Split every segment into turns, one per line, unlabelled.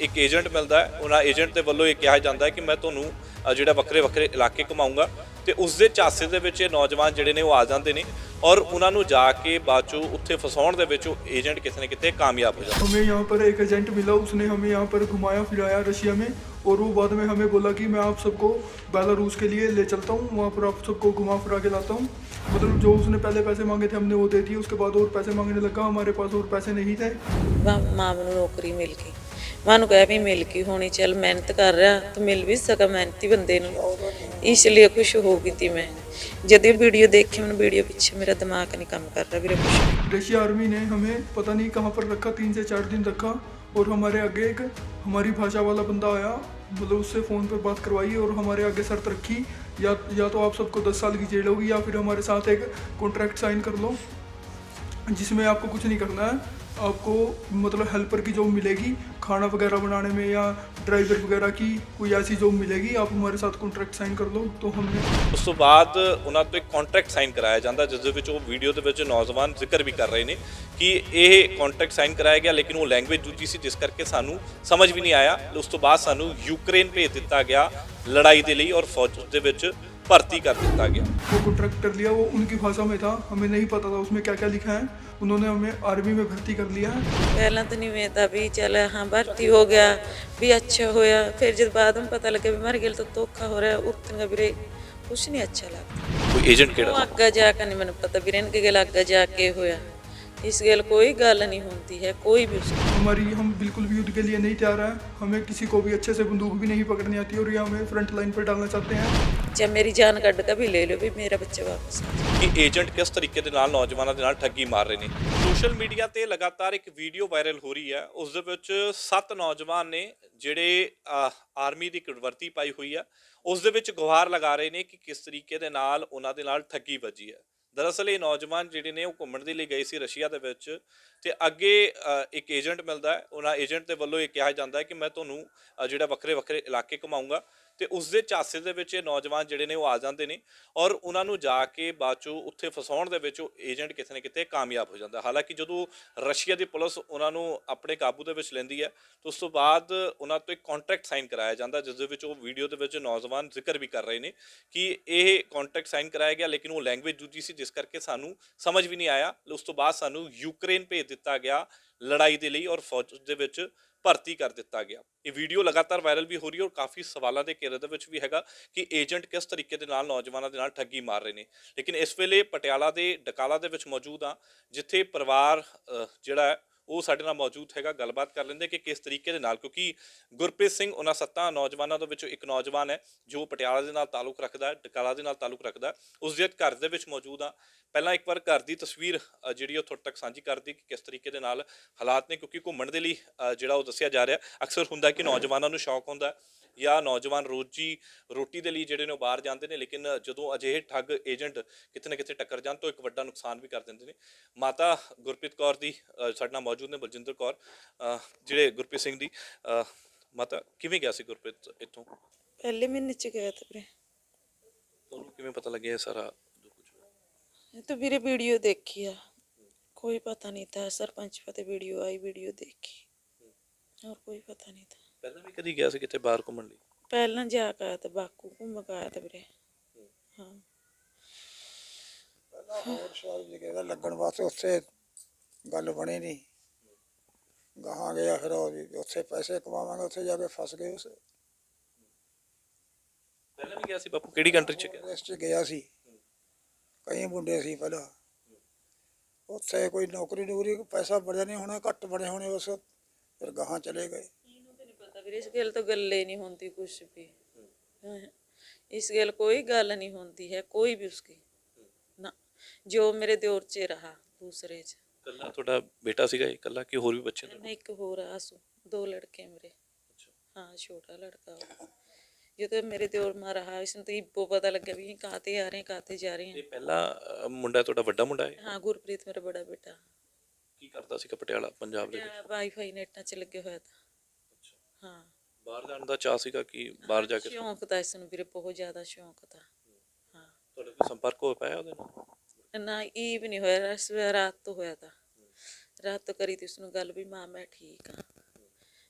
ਇੱਕ ਏਜੰਟ ਮਿਲਦਾ ਹੈ, ਉਹਨਾਂ ਏਜੰਟ ਦੇ ਵੱਲੋਂ ਇਹ ਕਿਹਾ ਜਾਂਦਾ ਹੈ ਕਿ ਮੈਂ ਤੁਹਾਨੂੰ ਜਿਹੜਾ ਵੱਖਰੇ ਵੱਖਰੇ ਇਲਾਕੇ ਘੁਮਾਊਂਗਾ ਤੇ ਉਸ ਦੇ ਝਾਂਸੇ ਦੇ ਵਿੱਚ ਇਹ ਨੌਜਵਾਨ ਜਿਹੜੇ ਨੇ ਉਹ ਆ ਜਾਂਦੇ ਨੇ और उन्होंने जाके बाद चो उत्थे फसाउण दे विच एजेंट कितने न कितने कामयाब हो जाते।
हमें यहाँ पर एक एजेंट मिला, उसने हमें यहाँ पर घुमाया फिराया रशिया में, और वो बाद में हमें बोला कि मैं आप सबको बेलारूस के लिए ले चलता हूँ, वहाँ पर आप सबको घुमा फिरा के लाता हूँ। मतलब जो उसने पहले पैसे मांगे थे हमने वो दे दिए, उसके बाद और पैसे मांगने लगा, हमारे पास और पैसे नहीं थे।
माँ को नौकरी मिल गई, मां कह भी मिल गई होनी, चल मेहनत कर रहा तो मिल भी सका मेहनती बंदे नूं, इसलिए खुश हो गई थी मैं। जब वीडियो देखी मैंने वीडियो पीछे मेरा दिमाग नहीं काम कर रहा मेरे कुछ।
रशिया आर्मी ने हमें पता नहीं कहाँ पर रखा, 3 से 4 दिन रखा, और हमारे आगे एक हमारी भाषा वाला बंदा आया, मतलब उससे फ़ोन पर बात करवाई और हमारे आगे शर्त रखी, या तो आप सबको 10 साल की जेल होगी या फिर हमारे साथ एक कॉन्ट्रैक्ट साइन कर लो जिसमें आपको कुछ नहीं करना है, आपको मतलब हेल्पर की जॉब मिलेगी, खाना वगैरह बनाने में, या ड्राइवर वगैरह की कोई ऐसी जॉब मिलेगी, आप हमारे साथ कॉन्ट्रैक्ट साइन कर लो। तो हमने
उस तो बाद उन्होंने तो एक कॉन्ट्रैक्ट साइन कराया जाता, जिस वीडियो के नौजवान जिक्र भी कर रहे हैं कि यह कॉन्ट्रैक्ट साइन कराया गया, लेकिन वो लैंग्वेज दूजी सी, जिस करके सानू समझ भी नहीं आया। उस तो बाद सानू यूक्रेन भेज दिता गया लड़ाई के लिए, और फौज के भर्ती कर दिया गया।
वो कॉन्ट्रैक्ट कर लिया, वो उनकी भाषा में था, हमें नहीं पता था उसमें क्या क्या लिखा है, उन्होंने हमें आर्मी में भर्ती कर लिया है।
पहला तो नहीं मैं था भी चल हाँ भर्ती हो गया भी अच्छा होया, फिर जब बाद में पता लगे भी मर गए तो धोखा हो रहा है, उतना भी कुछ नहीं अच्छा लगता।
कोई एजेंट केड़ा
अग्गा जाकर नहीं मैंने पता भी इनके गल अग्गा जाके होया, इस गल कोई गल नहीं होती है कोई भी।
हम बिल्कुल भी युद्ध के लिए नहीं तैयार है, हमें किसी को भी अच्छे से बंदूक भी नहीं पकड़नी आती, और ये हमें फ्रंट लाइन पर डालना चाहते हैं।
जब मेरी जान कट का भी ले लो भी मेरा बच्चा वापस आ जाए।
कि एजेंट किस तरीके के नाल नौजवानों के नाल ठगी मार रहे हैं। सोशल मीडिया ते लगातार एक वीडियो वायरल हो रही है, उस दे विच 7 नौजवान ने जिहड़े आर्मी की वर्दी पाई हुई है, उस दे विच गुहार लगा रहे हैं कि किस तरीके दे नाल उन्हां दे नाल ठगी वजी है। दरअसल ये नौजवान जिहड़े ने घूमण दे लई गए सी रशिया दे विच, ते अगे एक एजेंट मिलता है, उन्हां एजेंट दे वल्लों ये कहा जाता है कि मैं तुहानूं जिहड़ा वक्रे वक्रे इलाके घुमाऊंगा, तो उस दे झांसे दे विच नौजवान जिहड़े ने वो आ जाते हैं, और उन्होंने जाके बाद चो उत्थे फसाउण दे विच एजेंट किते न किते कामयाब हो जाता। हालांकि जो रशिया की पुलिस उन्होंने अपने काबू दे विच लैंदी है, तो उस तो बाद उन्होंने तो एक कॉन्ट्रैक्ट साइन कराया जाता, जिस दे विच वो वीडियो दे विच नौजवान जिक्र भी कर रहे हैं कि यह कॉन्ट्रैक्ट साइन कराया गया, लेकिन वो लैंग्वेज दूजी सी, जिस करके सानू समझ भी नहीं आया। उस तो बाद सानू यूक्रेन भेज दिता गया लड़ाई के लिए, और फौज दे विच भर्ती कर दिता गया। ये वीडियो लगातार वायरल भी हो रही है, और काफ़ी सवालों के घेरे दे विच भी हैगा कि एजेंट किस तरीके के नाल नौजवानों के नाल ठगी मार रहे हैं। लेकिन इस वेले पटियाला के डकाला दे विच मौजूद हाँ, जिथे परिवार जिहड़ा है वो साडे नाल मौजूद हैगा, गलबात कर लेंदे कि किस तरीके दे नाल, क्योंकि गुरप्रीत सिंह उन्हां 7 नौजवानों दे विचों एक नौजवान है जो पटियाला दे नाल ताल्लुक रखदा है, डकाला दे नाल ताल्लुक रखदा है, उसदे घर दे विच मौजूद हाँ। पहला एक बार घर की तस्वीर जिहड़ी तुहाडे तक साझी कर दी कि किस तरीके दे नाल हालात ने, क्योंकि घूमण दे लई जिहड़ा वो दस्सिया जा रहा है। अक्सर हुंदा कि नौजवानों नूं शौक हुंदा या नौजवान रोजी रोटी के लिए जिहड़े ने बाहर जाते हैं, लेकिन जो अजिहे ठग एजेंट किते न किते टक्कर जान तो एक वड्डा नुकसान भी कर देंगे हैं। माता गुरप्रीत कौर दी साडे नाल मौजूद ने बलजिंदर कौर, जिहड़े गुरप्रीत सिंह दी माता, किवें गया सी गुरप्रीत इत्थों?
पहले महीने च गया था वीरे।
तुहानूं किवें पता लग्या सारा जो कुछ होया?
तो वीरे वीडियो देखी है, कोई पता नहीं था, सरपंच पता वीडियो आई, वीडियो देखी, और कोई पता नहीं था।
पहला भी कदी गया सी किते बाहर घूमण लई?
पहला जाके आया था, बाकू घूम के आया था वीरे। हाँ
ਹੋਰ ਸ਼ਹਿਰ ਜਗ੍ਹਾ ਲੱਗਣ ਵਾਸਤੇ ਉੱਥੇ ਗੱਲ ਬਣੀ ਨਹੀਂ, ਗਾਹਾਂ ਗਿਆ ਫਿਰ ਉਹ ਵੀ ਉੱਥੇ ਪੈਸੇ ਕਮਾਵਾਂਗੇ, ਉੱਥੇ ਜਾ ਕੇ ਫਸ ਗਏ। ਉਸ
ਪਹਿਲਾਂ ਵੀ ਗਿਆ ਸੀ ਬਾਪੂ? ਕਿਹੜੀ ਕੰਟਰੀ ਚ ਗਿਆ?
ਇਸ 'ਚ ਗਿਆ ਸੀ, ਕਈ ਮੁੰਡੇ ਸੀ ਪਹਿਲਾਂ ਉੱਥੇ, ਕੋਈ ਨੌਕਰੀ ਨੂਕਰੀ ਪੈਸਾ ਬਣਿਆ ਨਹੀਂ ਹੋਣਾ, ਘੱਟ ਬਣੇ ਹੋਣੇ, ਉਸ ਫਿਰ ਗਾਹਾਂ ਚਲੇ ਗਏ।
इस गल तो गल नहीं होती कुछ भी, इस गल कोई गल नहीं होती है कोई भी उसकी ना, जो मेरे दौर च रहा दूसरे च।
कल्ला थोड़ा बेटा सीगा कल्ला कि होर भी बच्चे?
एक होर आसू, 2 लड़के मेरे। हाँ छोटा लड़का जो तो मेरे दौर में रहा, इसने तो इब्बो पता लगे भी काते आ रहे हैं काते जा रहे हैं।
पहला मुंडा थोड़ा वड्डा मुंडा है?
हाँ गुरप्रीत मेरा बड़ा बेटा।
की करता सी पटियाला पंजाब दे विच?
वाईफाई नेटां च लगे होया था। हाँ
बाहर जाने का चाह सीगा कि बाहर जाके?
शौक था इसनूं वीरे, बहुत ज़्यादा शौक था। हाँ
ਤੁਹਾਡਾ ਕੋਈ ਸੰਪਰਕ ਹੋ ਪਾਇਆ ਉਹਦੇ ਨਾਲ?
ना ई भी नहीं होया, रात तो होया था, रात तो करी थी उसनूं गल भी मां मैं ठीक हाँ,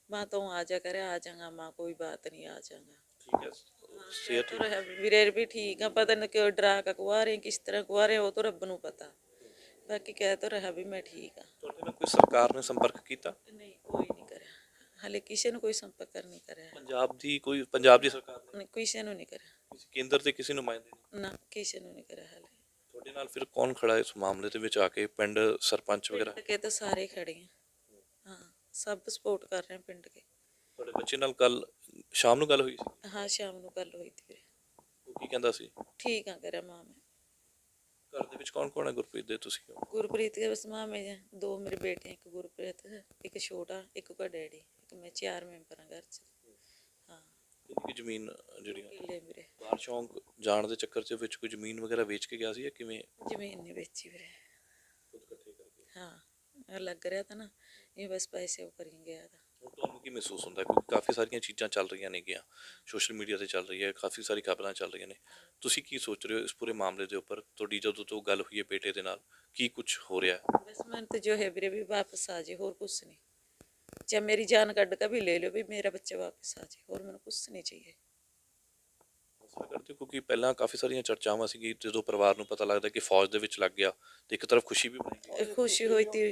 माँ तो आ जा करे आ जाऊंगा माँ कोई बात नहीं आ जाऊंगा।
ਠੀਕ ਹੈ ਸਿਹਤ
तो रहा वीरे भी ठीक है पता नहीं क्यों डरा का कुआ रहे किस तरह कुआ रहे वो तो रब नू पता। बाकी कह तो रहा भी मैं ठीक हाँ।
ਤੁਹਾਡੇ ਨਾਲ ਕੋਈ ਸਰਕਾਰ ਨੇ ਸੰਪਰਕ ਕੀਤਾ
नहीं कोई नहीं करे हाले किसी ने कोई संपर्क नहीं करे
ਪੰਜਾਬ ਦੀ ਸਰਕਾਰ ਨੇ
नहीं किसी ने नहीं करे
ਕਿਸੇ ਕੇਂਦਰ ਦੇ ਕਿਸੇ ਨੁਮਾਇੰਦੇ ਨੇ
ना किसी ने नहीं करे हाले।
ਤੁਹਾਡੇ ਨਾਲ ਫਿਰ ਕੌਣ ਖੜਾ ਇਸ ਮਾਮਲੇ ਦੇ ਵਿੱਚ ਆ ਕੇ ਪਿੰਡ ਸਰਪੰਚ ਵਗੈਰਾ
पिंड के तो सारे खड़े हैं हाँ सब सपोर्ट कर रहे हैं पिंड के।
ਤੁਹਾਡੇ ਬੱਚੇ ਨਾਲ ਕੱਲ ਸ਼ਾਮ ਨੂੰ ਗੱਲ ਹੋਈ ਸੀ
हाँ शाम को गल हुई थी
ਉਹ ਕੀ ਕਹਿੰਦਾ ਸੀ
ठीक हाँ करे माँ मैं।
ਘਰ ਦੇ ਵਿੱਚ ਕੌਣ ਕੌਣ ਹੈ ਗੁਰਪ੍ਰੀਤ ਦੇ ਤੁਸੀਂ ਹੋ?
गुरप्रीत के बस माँ में हैं, 2 मेरे बेटे हैं, एक गुरप्रीत है एक छोटा एक का डैडी एक मैं 4 मेंबर हैं घर से। हाँ
ਕਿੰਨੀ ਕੁ ਜ਼ਮੀਨ ਜਿਹੜੀਆਂ
किले मेरे
ਬਾਹਰ ਸ਼ੌਂਕ ਜਾਣ ਦੇ ਚੱਕਰ 'ਚ ਵਿੱਚ ਕੋਈ ਜ਼ਮੀਨ ਵਗੈਰਾ ਵੇਚ ਕੇ ਗਿਆ ਸੀ ਜਾਂ ਕਿਵੇਂ
जमीन नहीं बेची मेरे।
ਖੁਦ ਇਕੱਠੇ ਕਰਕੇ
हाँ लग रहा था ना ये बस पैसे वो करेंगे गया था।
ਹੁਣ ਤੁਹਾਨੂੰ ਕੀ ਮਹਿਸੂਸ ਹੁੰਦਾ ਕਿਉਂਕਿ ਕਾਫੀ ਸਾਰੀਆਂ ਚੀਜ਼ਾਂ ਚੱਲ ਰਹੀਆਂ ਨੇਗੀਆਂ ਸੋਸ਼ਲ ਮੀਡੀਆ ਤੇ ਚੱਲ ਰਹੀ ਹੈ ਕਾਫੀ ਸਾਰੀ ਖਬਰਾਂ ਚੱਲ ਰਹੀਆਂ ਨੇ ਤੁਸੀਂ ਕੀ ਸੋਚ ਰਹੇ ਹੋ ਇਸ ਪੂਰੇ ਮਾਮਲੇ ਦੇ ਉੱਪਰ ਤੁਹਾਡੀ ਜਦੋਂ ਤੋਂ ਗੱਲ ਹੋਈ ਹੈ ਬੇਟੇ ਦੇ ਨਾਲ ਕੀ ਕੁਝ ਹੋ ਰਿਹਾ ਹੈ
बस मन तो जो है मेरे भी वापस आ जाए और कुछ नहीं चाहे मेरी जान कट का भी ले लो भी मेरा बच्चा वापस आ जाए और मैंने कुछ नहीं चाहिए।
ਹੌਸਲਾ ਕਰਦੇ ਹੋ? ਕਿਉਂਕਿ ਪਹਿਲਾਂ ਕਾਫੀ ਸਾਰੀਆਂ ਚਰਚਾਵਾਂ ਸੀ ਜਦੋਂ ਪਰਿਵਾਰ ਨੂੰ ਪਤਾ ਲੱਗਦਾ ਕਿ ਫੌਜ ਦੇ ਵਿੱਚ ਲੱਗ ਗਿਆ ਤੇ ਇੱਕ ਤਰਫ ਖੁਸ਼ੀ ਵੀ ਬਣੀ ਗਈ
खुशी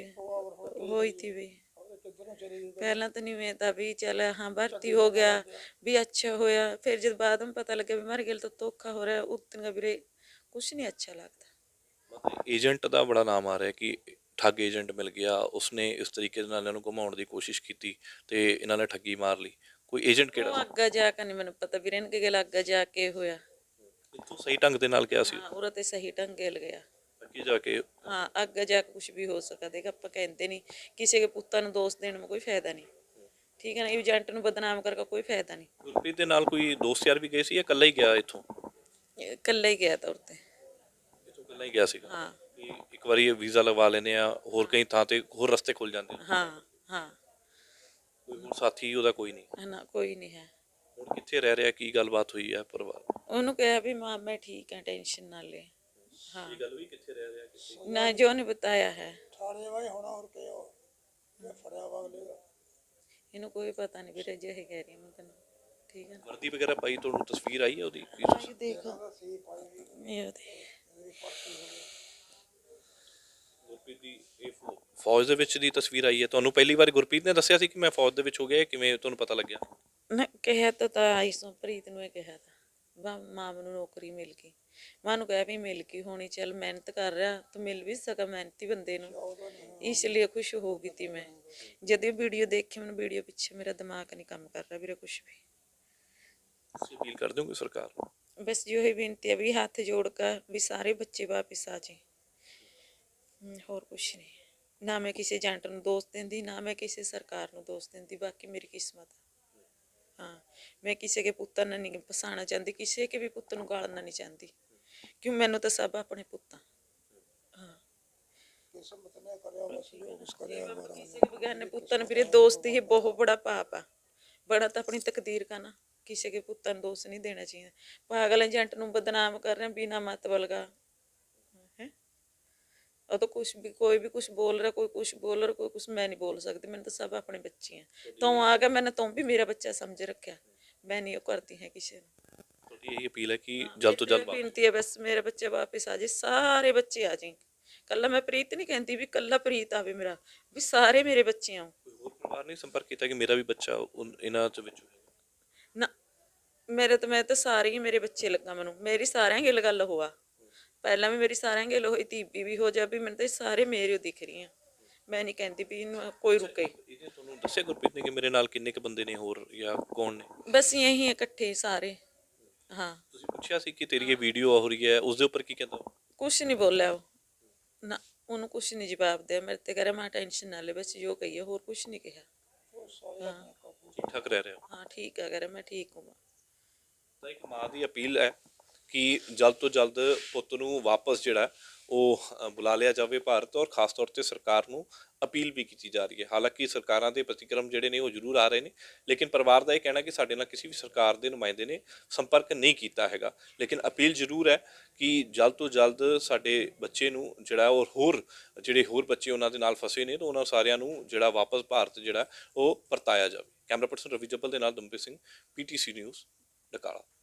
हुई थी भी पहला तो नहीं मैं था भी चल हाँ भर्ती हो गया भी अच्छा होया फिर जब बाद में पता लगे भी मर गया तो धोखा हो रहा है उतन का भी कुछ नहीं अच्छा लगता।
ਮਤਲਬ ਏਜੰਟ ਦਾ ਬੜਾ ਨਾਮ ਆ ਰਿਹਾ ਕਿ ਠੱਗ ਏਜੰਟ ਮਿਲ ਗਿਆ ਉਸਨੇ ਇਸ ਤਰੀਕੇ ਦੇ ਨਾਲ ਇਹਨਾਂ ਨੂੰ ਘੁਮਾਉਣ ਦੀ ਕੋਸ਼ਿਸ਼ ਕੀਤੀ ਤੇ ਇਹਨਾਂ ਨੇ ਠੱਗੀ ਮਾਰ ਲਈ ਕੋਈ ਏਜੰਟ
वो
ਕਿਹੜਾ
आगे जाकर नहीं मैंने पता भी इनके गल आगे जाके होया।
ਇੱਥੋਂ ਸਹੀ ਢੰਗ ਦੇ ਨਾਲ ਗਿਆ ਸੀ
हाँ उरा ते सही ढंग गल गया।
ਅੱਗੇ ਜਾ ਕੇ
हाँ आगे जाके कुछ भी हो सका देगा आप कहते नहीं किसी के पुत्ता ਨੂੰ ਦੋਸਤ ਦੇਣ में कोई फायदा नहीं ठीक है ना एजेंट ਨੂੰ बदनाम करके कोई फायदा नहीं।
ਗੁਰਪ੍ਰੀਤ ਦੇ ਨਾਲ ਕੋਈ ਦੋਸਤ ਯਾਰ ਵੀ ਗਏ ਸੀ ਜਾਂ ਇਕੱਲਾ ਹੀ ਗਿਆ ਇੱਥੋਂ
कल्ला ही गया था उरते
ਇੱਥੋਂ ਇਕੱਲਾ ਹੀ ਗਿਆ ਸੀਗਾ
हाँ
ਕਿ ਇੱਕ ਵਾਰੀ ਇਹ ਵੀਜ਼ਾ ਲਗਵਾ ਲੈਂਦੇ ਆ ਹੋਰ ਕਈ ਥਾਂ ਤੇ ਹੋਰ ਰਸਤੇ ਖੁੱਲ ਜਾਂਦੇ ਨੇ
हाँ हाँ
ਕੋਈ ਹੋਰ ਸਾਥੀ ਉਹਦਾ ਕੋਈ ਨਹੀਂ
है ना कोई नहीं है।
ਹੁਣ ਕਿੱਥੇ ਰਹਿ ਰਿਹਾ ਕੀ ਗੱਲਬਾਤ ਹੋਈ ਹੈ ਪਰਿਵਾਰ
ਉਹਨੂੰ ਕਿਹਾ ਵੀ ਮਾਂ मैं ठीक है टेंशन ना ले। हाँ
ਇਹ ਗੱਲ ਹੋਈ ਕਿੱਥੇ ਰਹਿ ਰਿਹਾ ਕਿੱਥੇ
ना जो ने बताया है
ਥਾਣੇ ਵਾਲੇ ਹੋਣਾ ਹੋਰ ਕੀ ਹੋ ਇਹ ਫੜਿਆ ਵਗਲੇਗਾ
ਇਹਨੂੰ ਕੋਈ ਪਤਾ ਨਹੀਂ ਵੀਰੇ ਜੇ ਇਹ ਕਹਿ ਰਹੀ ਮੈਂ ਤੈਨੂੰ ਠੀਕ ਹੈ ਨਾ।
ਵਰਦੀ ਵਗੈਰਾ ਪਾਈ ਤੁਹਾਨੂੰ ਤਸਵੀਰ ਆਈ ਹੈ ਉਹਦੀ
ਇਹ ਦੇਖੋ ਇਹ ਦੇਖ
ਗੁਰਪ੍ਰੀਤ ਦੀ ਇਹ ਫੌਜ ਦੇ ਵਿੱਚ ਦੀ ਤਸਵੀਰ ਆਈ ਹੈ ਤੁਹਾਨੂੰ ਪਹਿਲੀ ਵਾਰ ਗੁਰਪ੍ਰੀਤ ਨੇ ਦੱਸਿਆ ਸੀ ਕਿ ਮੈਂ ਫੌਜ ਦੇ ਵਿੱਚ ਹੋ ਗਿਆ ਕਿਵੇਂ ਤੁਹਾਨੂੰ ਪਤਾ ਲੱਗਿਆ
ਨਾ ਕਿਹਾ ਤਾਂ ਆਈ ਸੋ ਪ੍ਰੀਤ ਨੂੰ ਇਹ ਕਿਹਾ ਤਾਂ ਮਾਂ ਨੂੰ ਨੌਕਰੀ ਮਿਲ ਗਈ ਮਾਂ ਨੂੰ ਕਿਹਾ ਵੀ ਮਿਲ ਗਈ ਹੋਣੀ ਚੱਲ ਮਿਹਨਤ ਕਰ ਰਿਹਾ ਤਾਂ ਮਿਲ ਵੀ ਸਕਾ ਮਿਹਨਤੀ ਬੰਦੇ ਨੂੰ ਇਸ ਲਈ ਖੁਸ਼ ਹੋ ਗਈ ਤੀ ਮੈਂ ਜਦ ਇਹ ਵੀਡੀਓ ਦੇਖੀ ਮੈਨੂੰ ਵੀਡੀਓ ਪਿੱਛੇ ਮੇਰਾ ਦਿਮਾਗ ਨਹੀਂ ਕੰਮ ਕਰ ਰਿਹਾ ਵੀਰੇ ਕੁਝ ਵੀ।
ਤੁਸੀਂ ਅਪੀਲ ਕਰ ਦਿਓਗੇ ਸਰਕਾਰ ਨੂੰ
बस जो है बेनती है भी हाथ जोड़ कर भी सारे बच्चे वापस आ जाए और कुछ नहीं ना मैं किसी एजेंट ਨੂੰ ਦੋਸਤ ਦਿੰਦੀ ਨਾ ਮੈਂ ਕਿਸੇ ਸਰਕਾਰ ਨੂੰ ਦੋਸਤ ਦਿੰਦੀ ਬਾਕੀ ਮੇਰੀ ਕਿਸਮਤ ਹੈ। हाँ मैं किसी के पुत्र ने नहीं फसाना चाहती किसी के भी पुत्र ਨੂੰ ਗਾਲਣਾ नहीं चाहती क्यों मैनू तो सब अपने पुत्त हाँ
ਕਿਸਮਤ ਨੇ ਕਰਿਆ ਬਸ ਜੋ ਕੁਛ ਕਰਿਆ
किसी के बगैर पुत्र ने फिर दोस्त ही बहुत बड़ा पाप है बड़ा तो अपनी तकदीर का ना किसी के पुत्र ਨੂੰ दोस्त नहीं देना चाहिए। पागल एजेंट ਨੂੰ बदनाम कर रहे हैं बिना मतलब का है और तो कुछ भी कोई भी कुछ बोल रहा कोई कुछ बोल रहा कोई कुछ मैं नहीं बोल सकती मैंने तो सब अपने बच्चे हैं तो आ गया मैंने तुम भी मेरा बच्चा समझ रखा मैं नहीं वो करती है किसी ने।
ਤੁਹਾਡੀ ਇਹ ਅਪੀਲ ਹੈ ਕਿ ਜਲਦ ਤੋਂ ਜਲਦ
बेनती है बस मेरे बच्चे वापस आ जाए सारे बच्चे आ जाए कल्ला मैं प्रीत नहीं कहती भी कल्ला प्रीत आवे मेरा भी सारे मेरे बच्चे आओ
ਕੋਈ ਹੋਰ ਪਰਿਵਾਰ ਨੇ ਸੰਪਰਕ ਕੀਤਾ ਕਿ ਮੇਰਾ ਵੀ ਬੱਚਾ ਇਹਨਾਂ ਚ ਵਿੱਚ ਹੋਏਗਾ
ना मेरे तो मैं तो सारे ही मेरे बच्चे लगा मैनू मेरी सारे गिल गल हुआ पहला भी मेरी सारे गिल हुई तीबी भी हो जा भी मैंने तो सारे मेरे दिख रही हैं मैं नहीं कहती भी कोई रुके।
ਇਹਨੇ ਤੁਹਾਨੂੰ ਦੱਸਿਆ ਗੁਰਪ੍ਰੀਤ ਨੇ ਕਿ ਮੇਰੇ ਨਾਲ ਕਿੰਨੇ ਕ ਬੰਦੇ ਨੇ ਹੋਰ ਜਾਂ ਕੌਣ ਨੇ
बस यही इकट्ठे सारे हाँ
ਤੁਸੀਂ ਪੁੱਛਿਆ ਸੀ ਕਿ ਤੇਰੀ ਇਹ ਵੀਡੀਓ ਹੋ ਰਹੀ ਹੈ ਉਸ ਦੇ ਉੱਪਰ ਕੀ ਕਹਿੰਦਾ ਉਹ?
कुछ नहीं बोला वो ना उन्होंने कुछ नहीं जवाब दिया मेरे ते कह रहा मैं टेंशन ना ले बस जो कही है और कुछ नहीं कहा। हाँ
ਠੀਕ ਠਾਕ ਰਹਿ ਰਿਹਾ
हाँ ठीक है कह रहा मैं ठीक हूँ।
ਤਾਂ ਇੱਕ ਮਾਂ ਦੀ ਅਪੀਲ ਹੈ ਕਿ ਜਲਦ ਤੋਂ ਜਲਦ ਪੁੱਤ ਨੂੰ ਵਾਪਸ ਜਿਹੜਾ ਉਹ ਬੁਲਾ ਲਿਆ ਜਾਵੇ ਭਾਰਤ ਔਰ ਖਾਸ ਤੌਰ ਤੇ ਸਰਕਾਰ ਨੂੰ ਅਪੀਲ ਵੀ ਕੀਤੀ ਜਾ ਰਹੀ ਹੈ। ਹਾਲਾਂਕਿ ਸਰਕਾਰਾਂ ਦੇ ਪ੍ਰਤੀਕਰਮ ਜਿਹੜੇ ਨੇ ਉਹ ਜ਼ਰੂਰ ਆ ਰਹੇ ਨੇ ਲੇਕਿਨ ਪਰਿਵਾਰ ਦਾ ਇਹ ਕਹਿਣਾ ਕਿ ਸਾਡੇ ਨਾਲ ਕਿਸੇ ਵੀ ਸਰਕਾਰ ਦੇ ਨੁਮਾਇੰਦੇ ਨੇ ਸੰਪਰਕ ਨਹੀਂ ਕੀਤਾ ਹੈਗਾ ਲੇਕਿਨ ਅਪੀਲ ਜ਼ਰੂਰ ਹੈ ਕਿ ਜਲਦ ਤੋਂ ਜਲਦ ਸਾਡੇ ਬੱਚੇ ਨੂੰ ਜਿਹੜਾ ਔਰ ਹੋਰ ਬੱਚੇ ਉਹਨਾਂ ਦੇ ਨਾਲ ਫਸੇ ਨੇ ਤਾਂ ਉਹਨਾਂ ਸਾਰਿਆਂ ਨੂੰ ਜਿਹੜਾ ਵਾਪਸ ਭਾਰਤ ਜਿਹੜਾ ਉਹ ਪਰਤਾਇਆ ਜਾਵੇ। ਕੈਮਰਾ ਪਰਸਨ ਰਵੀ ਜੱਬਲ ਦੇ ਨਾਲ ਦਮਪ੍ਰੀਤ ਸਿੰਘ, PTC ਨਿਊਜ਼, ਡਕਾਲਾ।